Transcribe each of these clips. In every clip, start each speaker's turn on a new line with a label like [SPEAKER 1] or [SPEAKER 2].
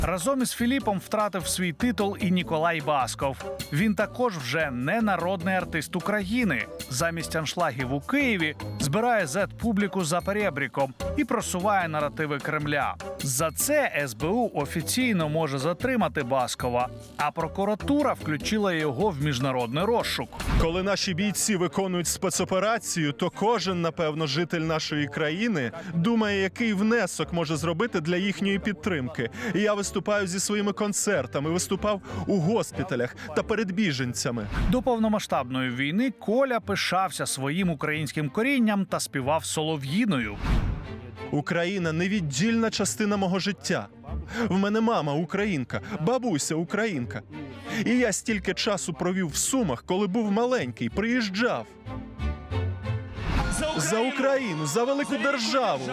[SPEAKER 1] Разом із Філіпом втратив свій титул і Ніколай Басков. Він також вже не народний артист України. Замість аншлагів у Києві збирає зет-публіку за перебріком і просуває наративи Кремля. За це СБУ офіційно може затримати Баскова, а прокуратура включила його в міжнародний розшук.
[SPEAKER 2] Коли наші бійці виконують спецоперацію, то кожен, напевно, житель нашої країни думає, який внесок може зробити для їхньої підтримки. І я виступаю зі своїми концертами, виступав у госпіталях та перед біженцями.
[SPEAKER 1] До повномасштабної війни Коля пишався своїм українським корінням та співав солов'їною.
[SPEAKER 2] Україна – невіддільна частина мого життя. В мене мама українка, бабуся українка. І я стільки часу провів в Сумах, коли був маленький, приїжджав. За Україну, за велику державу.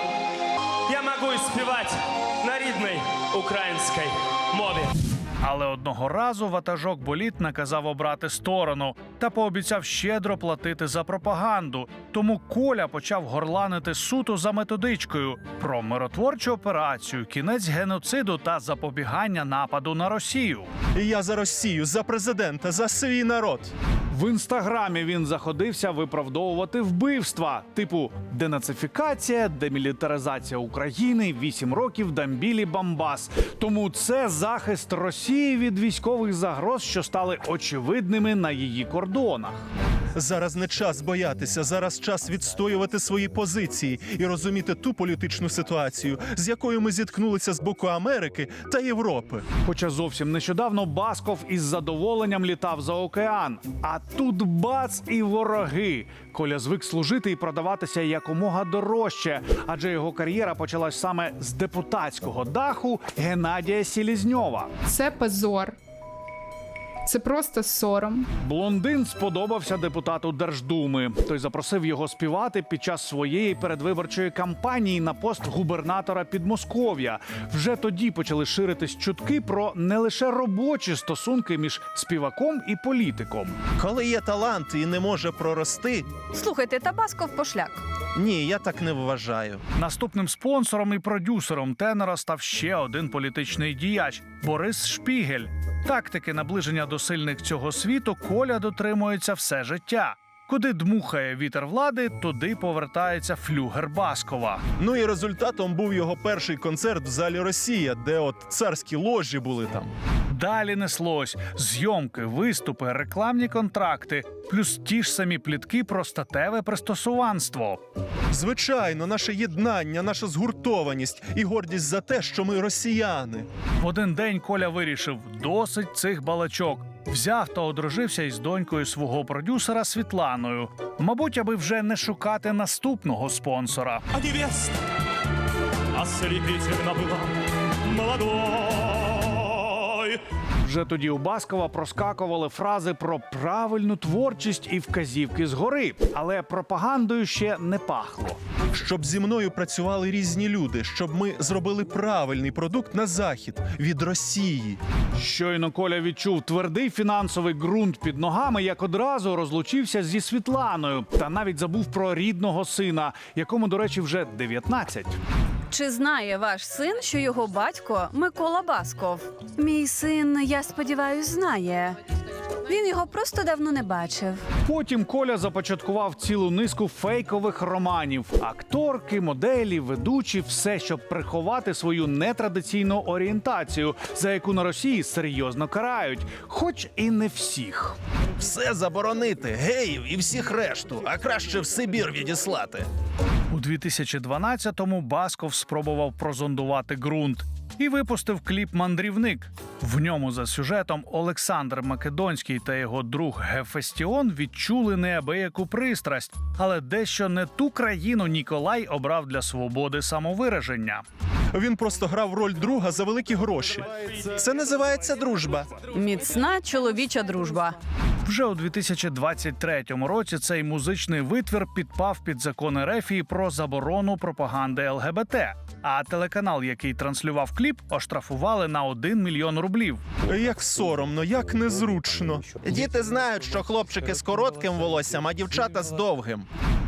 [SPEAKER 3] Я можу співати на рідній українській мові.
[SPEAKER 1] Але одного разу ватажок Боліт наказав обрати сторону та пообіцяв щедро платити за пропаганду. Тому Коля почав горланити суто за методичкою про миротворчу операцію, кінець геноциду та запобігання нападу на Росію.
[SPEAKER 2] І я за Росію, за президента, за свій народ.
[SPEAKER 1] В інстаграмі він заходився виправдовувати вбивства, типу денацифікація, демілітаризація України, 8 років Дамбілі Бамбас. Тому це захист Росії від військових загроз, що стали очевидними на її кордонах.
[SPEAKER 2] Зараз не час боятися, зараз час відстоювати свої позиції і розуміти ту політичну ситуацію, з якою ми зіткнулися з боку Америки та Європи.
[SPEAKER 1] Хоча зовсім нещодавно Басков із задоволенням літав за океан. А тут бац і вороги. Коля звик служити і продаватися якомога дорожче, адже його кар'єра почалась саме з депутатського даху Геннадія Селезньова.
[SPEAKER 4] Це позор. Це просто сором.
[SPEAKER 1] Блондин сподобався депутату Держдуми. Той запросив його співати під час своєї передвиборчої кампанії на пост губернатора Підмосков'я. Вже тоді почали ширитись чутки про не лише робочі стосунки між співаком і політиком.
[SPEAKER 2] Коли є талант і не може прорости,
[SPEAKER 5] Слухайте, та Басков пошляк.
[SPEAKER 2] ні, я так не вважаю.
[SPEAKER 1] Наступним спонсором і продюсером тенора став ще один політичний діяч – Борис Шпігель. Тактики наближення до сильних цього світу Коля дотримується все життя. Куди дмухає вітер влади, туди повертається флюгер Баскова.
[SPEAKER 2] Ну і результатом був його перший концерт в залі «Росія», де от царські ложі були там.
[SPEAKER 1] Далі неслось зйомки, виступи, рекламні контракти, плюс ті ж самі плітки про статеве пристосуванство.
[SPEAKER 2] Звичайно, наше єднання, наша згуртованість і гордість за те, що ми росіяни.
[SPEAKER 1] В один день Коля вирішив – досить цих балачок. Взяв та одружився із донькою свого продюсера Світланою. Мабуть, аби вже не шукати наступного спонсора.
[SPEAKER 3] А невеста ослепительно была молодой.
[SPEAKER 1] Вже тоді у Баскова проскакували фрази про правильну творчість і вказівки згори. Але пропагандою ще не пахло.
[SPEAKER 2] Щоб зі мною працювали різні люди, щоб ми зробили правильний продукт на захід від Росії.
[SPEAKER 1] Щойно Коля відчув твердий фінансовий ґрунт під ногами, як одразу розлучився зі Світланою. Та навіть забув про рідного сина, якому, до речі, вже 19.
[SPEAKER 5] Чи знає ваш син, що його батько Микола Басков? Мій син, я сподіваюсь, знає. Він його просто давно не бачив.
[SPEAKER 1] Потім Коля започаткував цілу низку фейкових романів. Акторки, моделі, ведучі – все, щоб приховати свою нетрадиційну орієнтацію, за яку на Росії серйозно карають. Хоч і не всіх.
[SPEAKER 2] Все заборонити, геїв і всіх решту, а краще в Сибір відіслати.
[SPEAKER 1] У 2012-му Басков спробував прозондувати ґрунт і випустив кліп «Мандрівник». В ньому за сюжетом Олександр Македонський та його друг Гефестіон відчули неабияку пристрасть, але дещо не ту країну Ніколай обрав для свободи самовираження.
[SPEAKER 2] Він просто грав роль друга за великі гроші. Це називається дружба.
[SPEAKER 5] Міцна чоловіча дружба.
[SPEAKER 1] Вже у 2023 році цей музичний витвір підпав під закон РФ про заборону пропаганди ЛГБТ. А телеканал, який транслював кліп, оштрафували на 1 мільйон рублів.
[SPEAKER 2] Як соромно, як незручно. Діти знають, що хлопчики з коротким волоссям, а дівчата з довгим.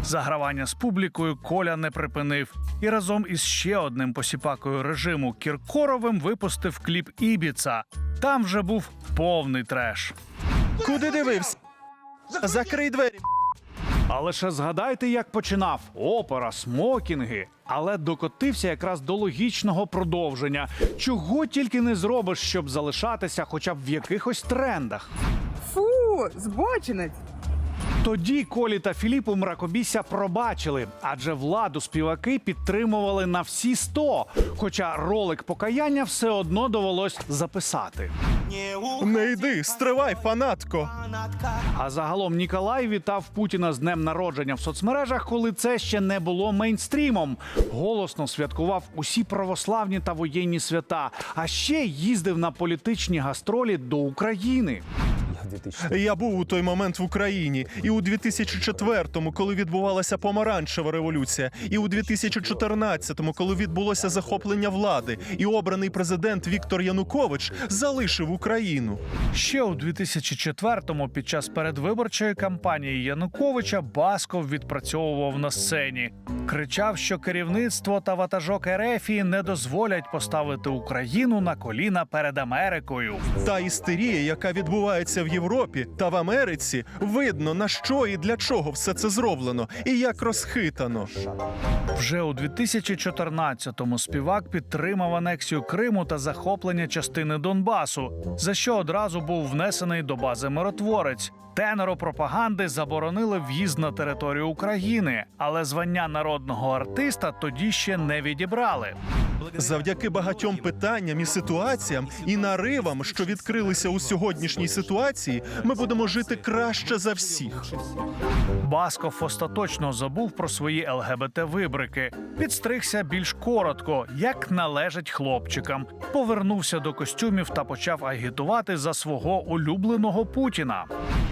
[SPEAKER 1] Загравання з публікою Коля не припинив і разом із ще одним посіпакою режиму Кіркоровим випустив кліп «Ібіца». Там вже був повний треш.
[SPEAKER 2] Куди дивився? Закрий двері.
[SPEAKER 1] А лише згадайте, як починав. Опера, смокінги. Але докотився якраз до логічного продовження. Чого тільки не зробиш, щоб залишатися хоча б в якихось трендах.
[SPEAKER 6] Фу, збочинець.
[SPEAKER 1] Тоді Колі та Філіпу мракобісся пробачили, адже владу співаки підтримували на всі 100, хоча ролик покаяння все одно довелось записати.
[SPEAKER 2] Не йди, стривай, фанатко.
[SPEAKER 1] А загалом Ніколай вітав Путіна з днем народження в соцмережах, коли це ще не було мейнстрімом. Голосно святкував усі православні та воєнні свята, а ще їздив на політичні гастролі до України.
[SPEAKER 2] Я був у той момент в Україні. І у 2004-му, коли відбувалася помаранчева революція. І у 2014-му, коли відбулося захоплення влади. І обраний президент Віктор Янукович залишив Україну.
[SPEAKER 1] Ще у 2004-му під час передвиборчої кампанії Януковича Басков відпрацьовував на сцені. Кричав, що керівництво та ватажок Ерефії не дозволять поставити Україну на коліна перед Америкою.
[SPEAKER 2] Та істерія, яка відбувається в Європі та в Америці, видно, на що і для чого все це зроблено, і як розхитано.
[SPEAKER 1] Вже у 2014-му співак підтримав анексію Криму та захоплення частини Донбасу, за що одразу був внесений до бази «Миротворець». Тенору пропаганди заборонили в'їзд на територію України, але звання народного артиста тоді ще не відібрали.
[SPEAKER 2] Завдяки багатьом питанням і ситуаціям, і наривам, що відкрилися у сьогоднішній ситуації, ми будемо жити краще за всіх.
[SPEAKER 1] Басков остаточно забув про свої ЛГБТ-вибрики. Підстригся більш коротко, як належить хлопчикам. Повернувся до костюмів та почав агітувати за свого улюбленого Путіна.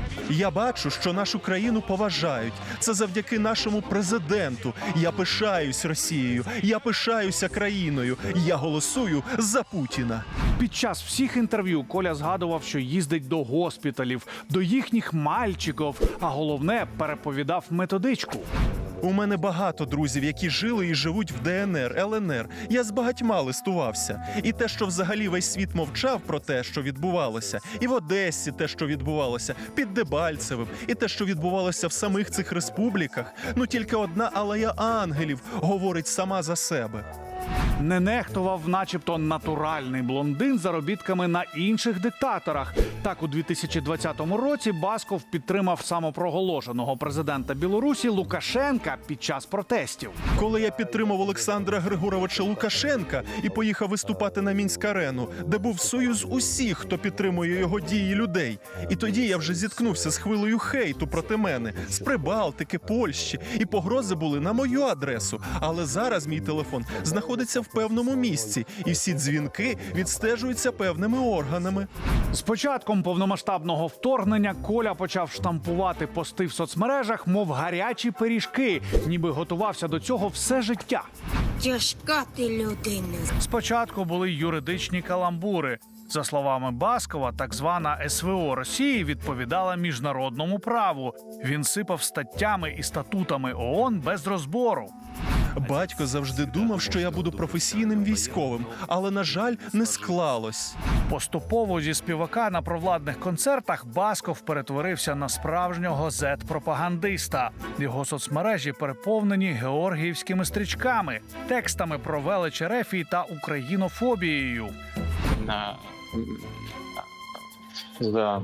[SPEAKER 2] Я бачу, що нашу країну поважають. Це завдяки нашому президенту. Я пишаюсь Росією, я пишаюся країною. Я голосую за Путіна.
[SPEAKER 1] Під час всіх інтерв'ю Коля згадував, що їздить до госпіталів, до їхніх мальчиків, а головне – переповідав методичку.
[SPEAKER 2] У мене багато друзів, які жили і живуть в ДНР, ЛНР. Я з багатьма листувався. І те, що взагалі весь світ мовчав про те, що відбувалося, і в Одесі те, що відбувалося, під Дебальцевим, і те, що відбувалося в самих цих республіках. Ну тільки одна алея ангелів говорить сама за себе.
[SPEAKER 1] Не нехтував начебто натуральний блондин заробітками на інших диктаторах. Так, у 2020 році Басков підтримав самопроголошеного президента Білорусі Лукашенка під час протестів.
[SPEAKER 2] Коли я підтримав Олександра Григоровича Лукашенка і поїхав виступати на Мінськ-арену, де був союз усіх, хто підтримує його дії людей. І тоді я вже зіткнувся з хвилею хейту проти мене, з Прибалтики, Польщі, і погрози були на мою адресу. Але зараз мій телефон знаходиться в певному місці, і всі дзвінки відстежуються певними органами.
[SPEAKER 1] З початком повномасштабного вторгнення Коля почав штампувати пости в соцмережах, мов гарячі пиріжки, ніби готувався до цього все життя.
[SPEAKER 7] Тяжка ти людина.
[SPEAKER 1] Спочатку були юридичні каламбури. За словами Баскова, так звана СВО Росії відповідала міжнародному праву. Він сипав статтями і статутами ООН без розбору.
[SPEAKER 2] Батько завжди думав, що я буду професійним військовим, але, на жаль, не склалось.
[SPEAKER 1] Поступово зі співака на провладних концертах Басков перетворився на справжнього зет-пропагандиста. Його соцмережі переповнені георгіївськими стрічками, текстами про велич Ерефії та українофобією.
[SPEAKER 8] Да.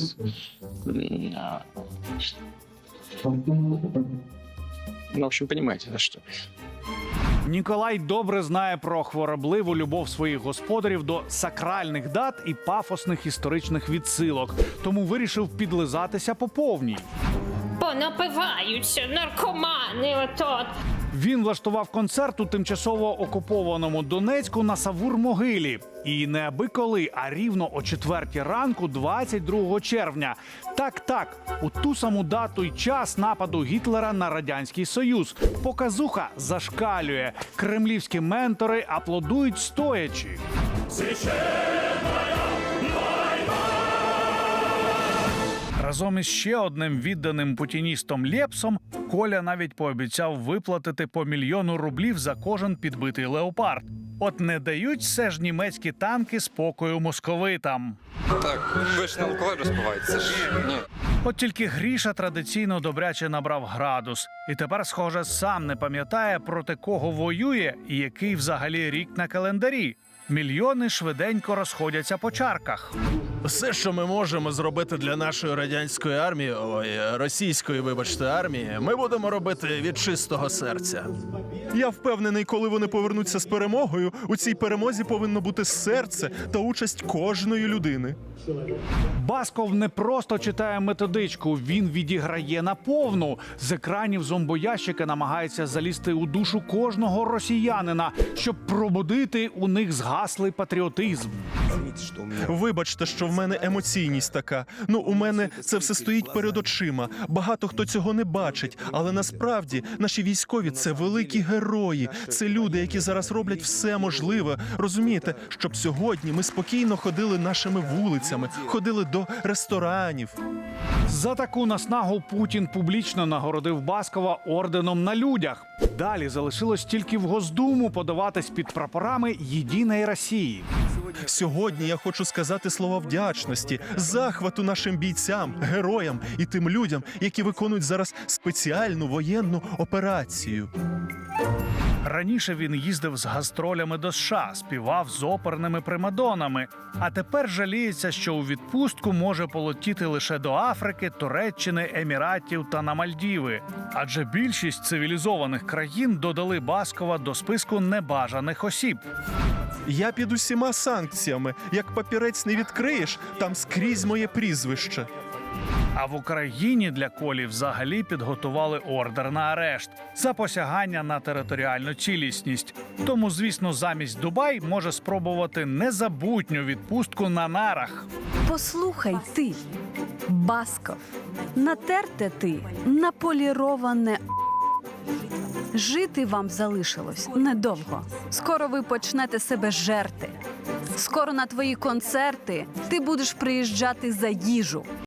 [SPEAKER 8] Ну, в общем, понимаете, да, что?
[SPEAKER 1] Ніколай добре знає про хворобливу любов своїх господарів до сакральних дат і пафосних історичних відсилок, тому вирішив підлизатися по повній.
[SPEAKER 9] Понапиваються наркомани отот.
[SPEAKER 1] Він влаштував концерт у тимчасово окупованому Донецьку на Савур-могилі. І не аби коли, а рівно о 4 ранку 22 червня. Так, у ту саму дату й час нападу Гітлера на Радянський Союз. Показуха зашкалює. Кремлівські ментори аплодують стоячи. Разом із ще одним відданим путіністом Лєпсом Коля навіть пообіцяв виплатити по 1 мільйону рублів за кожен підбитий леопард. От не дають все ж німецькі танки спокою московитам.
[SPEAKER 10] Так, ви ж не алкоголь розпиваєте, це ж ні.
[SPEAKER 1] От тільки Гріша традиційно добряче набрав градус. І тепер, схоже, сам не пам'ятає, проти кого воює і який взагалі рік на календарі. Мільйони швиденько розходяться по чарках.
[SPEAKER 2] Все, що ми можемо зробити для нашої радянської армії, російської, вибачте, армії, ми будемо робити від чистого серця. Я впевнений, коли вони повернуться з перемогою, у цій перемозі повинно бути серце та участь кожної людини.
[SPEAKER 1] Басков не просто читає методичку, він відіграє наповну. З екранів зомбоящика намагається залізти у душу кожного росіянина, щоб пробудити у них згаслий патріотизм.
[SPEAKER 2] Вибачте, що в мене емоційність така. Ну, у мене це все стоїть перед очима. Багато хто цього не бачить. Але насправді наші військові – це великі герої. Це люди, які зараз роблять все можливе. Розумієте, щоб сьогодні ми спокійно ходили нашими вулицями, ходили до ресторанів.
[SPEAKER 1] За таку наснагу Путін публічно нагородив Баскова орденом на людях. Далі залишилось тільки в Госдуму подаватись під прапорами «Єдиної Росії».
[SPEAKER 2] Сьогодні я хочу сказати слова вдячності, захвату нашим бійцям, героям і тим людям, які виконують зараз спеціальну воєнну операцію.
[SPEAKER 1] Раніше він їздив з гастролями до США, співав з оперними примадонами. А тепер жаліється, що у відпустку може полетіти лише до Африки, Туреччини, Еміратів та на Мальдіви. Адже більшість цивілізованих країн додали Баскова до списку небажаних осіб.
[SPEAKER 2] Я під усіма санкціями. Як папірець не відкриєш, там скрізь моє прізвище.
[SPEAKER 1] А в Україні для Колі взагалі підготували ордер на арешт за посягання на територіальну цілісність. Тому, звісно, замість Дубай може спробувати незабутню відпустку на нарах.
[SPEAKER 5] Послухай ти, Басков, натерте ти, наполіроване. Жити вам залишилось недовго. Скоро ви почнете себе жерти. Скоро на твої концерти ти будеш приїжджати за їжу.